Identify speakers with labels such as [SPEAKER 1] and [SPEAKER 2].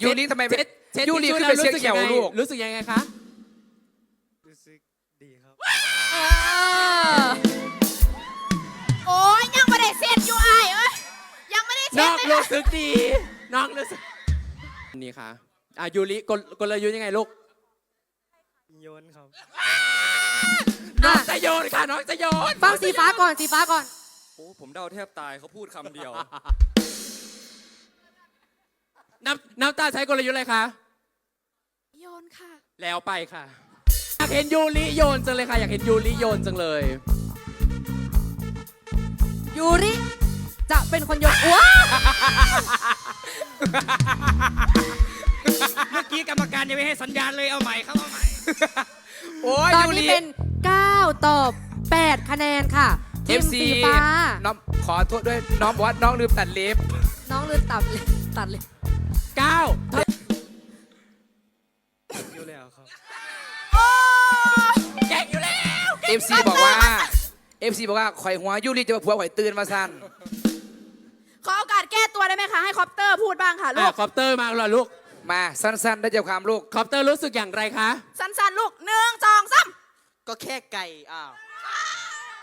[SPEAKER 1] ยูริทำไม
[SPEAKER 2] เช็ด
[SPEAKER 1] ยูริขึ้นไปเช็ดเขียวลูก
[SPEAKER 2] รู้สึกยังไงคะ
[SPEAKER 3] รู้สึกดีครับ
[SPEAKER 4] โอ้ยยังไม่ได้เสร็จอยู่ไอ้เอ้ยยังไม่ได้เสร็
[SPEAKER 2] น้
[SPEAKER 4] จ
[SPEAKER 2] อง
[SPEAKER 4] เลย
[SPEAKER 2] รู้สึกดีน้องรู้สึกนี่ค่ะยูริกลยุทธ์ยังไงลูก
[SPEAKER 3] โยนครับ
[SPEAKER 2] น้องจะโยนค่ะน้องจะโยน
[SPEAKER 5] ฟังสีฟ้าก่อนสีฟ้าก่อน
[SPEAKER 6] โอ้ผมเดาแทบตายเขาพูดคำเดียว
[SPEAKER 2] น้ำตาใช้กลยุทธ์อะไรคะ
[SPEAKER 4] โยนค่ะ
[SPEAKER 2] แล้วไปค่ะอยากเห็นยูริโยนจังเลยค่ะอยากเห็นยูริโยนจังเลย
[SPEAKER 5] ยูริจะเป็นคนโยนว้า
[SPEAKER 3] เมื่อกี้กรรมการยังไม่ให้สัญญาณเลยเอาใหม่ครับเอาใหม่
[SPEAKER 1] โอ้ย
[SPEAKER 5] ตอน
[SPEAKER 1] ยู
[SPEAKER 5] นี้
[SPEAKER 1] ริ
[SPEAKER 5] เป็น9ต่อ8คะแนนค่ะทีม
[SPEAKER 1] FC
[SPEAKER 5] สีฟ้า
[SPEAKER 1] น้องขอโทษด้วยน้องบอกว่าน้องลืมตัดเล็บ
[SPEAKER 5] น้องลืมตัดเลย
[SPEAKER 2] 9
[SPEAKER 3] อยู่แล้วครับ
[SPEAKER 2] แก่งอยู่แล้ว
[SPEAKER 1] FC บอกว่า FC บอกว่าข่อยหัวยูริจะมาผัวข่อยตื่นมาสั้น
[SPEAKER 4] ขอโอกาสแก้ตัวได้ไหมคะ ให้คอปเตอร์พูดบ้างค่ะลูก
[SPEAKER 2] คอปเตอร์มาเหรอลูก
[SPEAKER 1] มาสั้นๆได้ใจความลูก
[SPEAKER 2] คอปเตอร์รู้สึกอย่างไรคะ
[SPEAKER 4] สั้นๆลูก1 2 3
[SPEAKER 7] ก็แค่ไก่อ้าว